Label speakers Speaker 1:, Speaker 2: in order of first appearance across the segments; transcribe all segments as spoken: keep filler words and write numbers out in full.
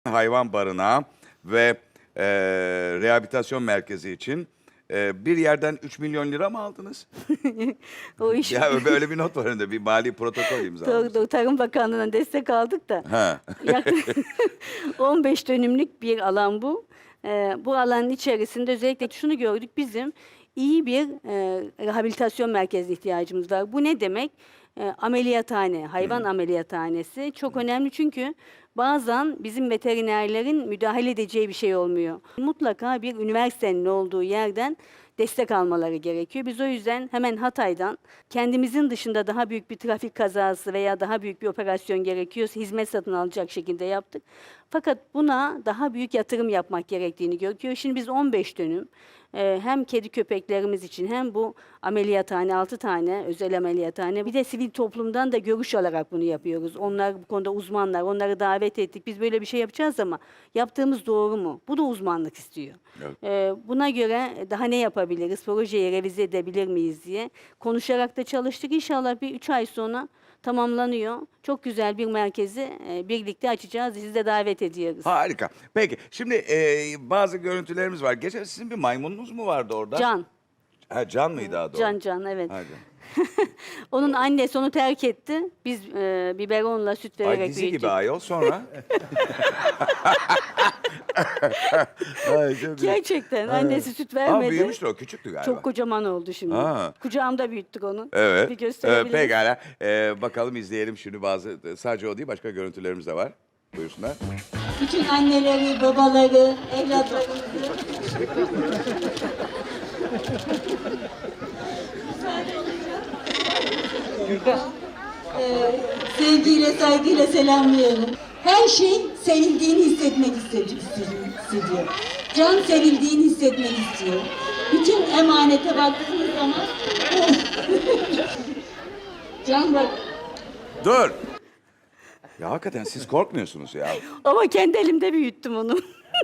Speaker 1: Hayvan barınağı ve e, rehabilitasyon merkezi için e, bir yerden üç milyon lira mı aldınız?
Speaker 2: O iş
Speaker 1: Ya böyle bir not var önünde, bir mali protokol imzalamışsınız.
Speaker 2: Doğru, Tarım Bakanlığı'na destek aldık da
Speaker 1: Ha.
Speaker 2: yaklaşık on beş dönümlük bir alan bu. Ee, bu alanın içerisinde özellikle şunu gördük, bizim iyi bir e, rehabilitasyon merkezine ihtiyacımız var. Bu ne demek? E, ameliyathane, hayvan ameliyathanesi çok önemli, çünkü bazen bizim veterinerlerin müdahale edeceği bir şey olmuyor. Mutlaka bir üniversitenin olduğu yerden destek almaları gerekiyor. Biz o yüzden hemen Hatay'dan, kendimizin dışında daha büyük bir trafik kazası veya daha büyük bir operasyon gerekiyorsa hizmet satın alacak şekilde yaptık. Fakat buna daha büyük yatırım yapmak gerektiğini görüyor. Şimdi biz on beş dönüm e, hem kedi köpeklerimiz için hem bu ameliyathane, altı tane özel ameliyathane, bir de sivil toplumdan da görüş alarak bunu yapıyoruz. Onlar bu konuda uzmanlar, onları davet ettik. Biz böyle bir şey yapacağız ama yaptığımız doğru mu? Bu da uzmanlık istiyor.
Speaker 1: Evet.
Speaker 2: E, buna göre daha ne yapabiliriz, projeyi revize edebilir miyiz diye konuşarak da çalıştık. İnşallah bir üç ay sonra tamamlanıyor. Çok güzel bir merkezi e, birlikte açacağız. Sizi de davet ediyoruz.
Speaker 1: Harika. Peki şimdi e, bazı görüntülerimiz var. Geçen sizin bir maymununuz mu vardı orada?
Speaker 2: Can,
Speaker 1: Ha, Can mıydı adı?
Speaker 2: Can Can evet.
Speaker 1: Ha, Can.
Speaker 2: Onun annesi onu terk etti. Biz e, biberonla süt vererek
Speaker 1: Ay dizi
Speaker 2: büyüttük.
Speaker 1: gibi ayol sonra. Ay, çok iyi.
Speaker 2: Gerçekten annesi süt
Speaker 1: Ama
Speaker 2: vermedi.
Speaker 1: büyümüştü, o küçüktü galiba.
Speaker 2: Çok kocaman oldu şimdi.
Speaker 1: Ha.
Speaker 2: Kucağımda büyüttük onu.
Speaker 1: Evet.
Speaker 2: Bir
Speaker 1: Evet,
Speaker 2: gösterebiliriz.
Speaker 1: pekala. Ee, bakalım izleyelim şimdi bazı, sadece o değil başka görüntülerimiz de var. Buyursunlar.
Speaker 3: Bütün anneleri, babaları, evlatlarımızı Ee, sevgiyle, saygıyla selamlıyorum. Her şey sevildiğini hissetmek istedi- hissediyor. Can sevildiğini hissetmek istiyor. Bütün emanete baktığınız zaman Can bak.
Speaker 1: Dur. Ya hakikaten siz korkmuyorsunuz ya.
Speaker 2: Ama kendi elimde büyüttüm onu.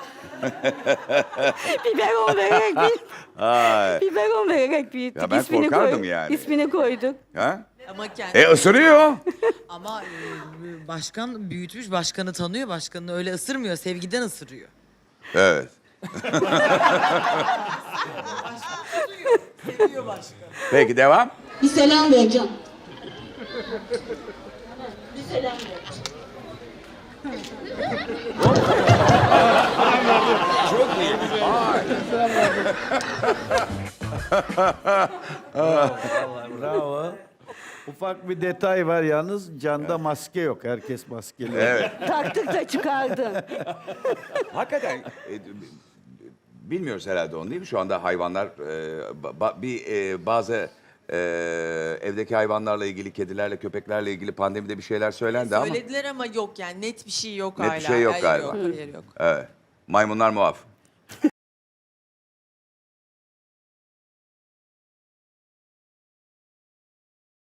Speaker 2: Biberon vererek büyüttüm.
Speaker 1: Ay.
Speaker 2: Biberon vererek büyüttük.
Speaker 1: Ya ben
Speaker 2: İsmini
Speaker 1: korkardım yani.
Speaker 2: İsmini koyduk.
Speaker 1: Ha?
Speaker 4: Ama kendi
Speaker 1: E ısırıyor.
Speaker 4: ama e, başkan büyütmüş, başkanı tanıyor, başkanını öyle ısırmıyor, sevgiden ısırıyor.
Speaker 1: Evet.
Speaker 4: Seviyor başkan.
Speaker 1: Peki devam.
Speaker 3: Bir selam ver Can. Bir selam ver.
Speaker 5: Bravo. Ufak bir detay var yalnız, Can'da maske yok. Herkes maskeli.
Speaker 1: Evet.
Speaker 2: Taktık da çıkardı.
Speaker 1: Hakikaten e, bilmiyoruz herhalde onu değil mi? Şu anda hayvanlar e, ba- bir e, bazı e, evdeki hayvanlarla ilgili, kedilerle, köpeklerle ilgili pandemide bir şeyler söylendi ama
Speaker 4: Söylediler ama yok yani net bir şey yok
Speaker 1: Net bir
Speaker 4: hala.
Speaker 1: şey yok
Speaker 4: Hayır,
Speaker 1: galiba.
Speaker 4: Yok, hayır yok.
Speaker 1: evet. Maymunlar muaf.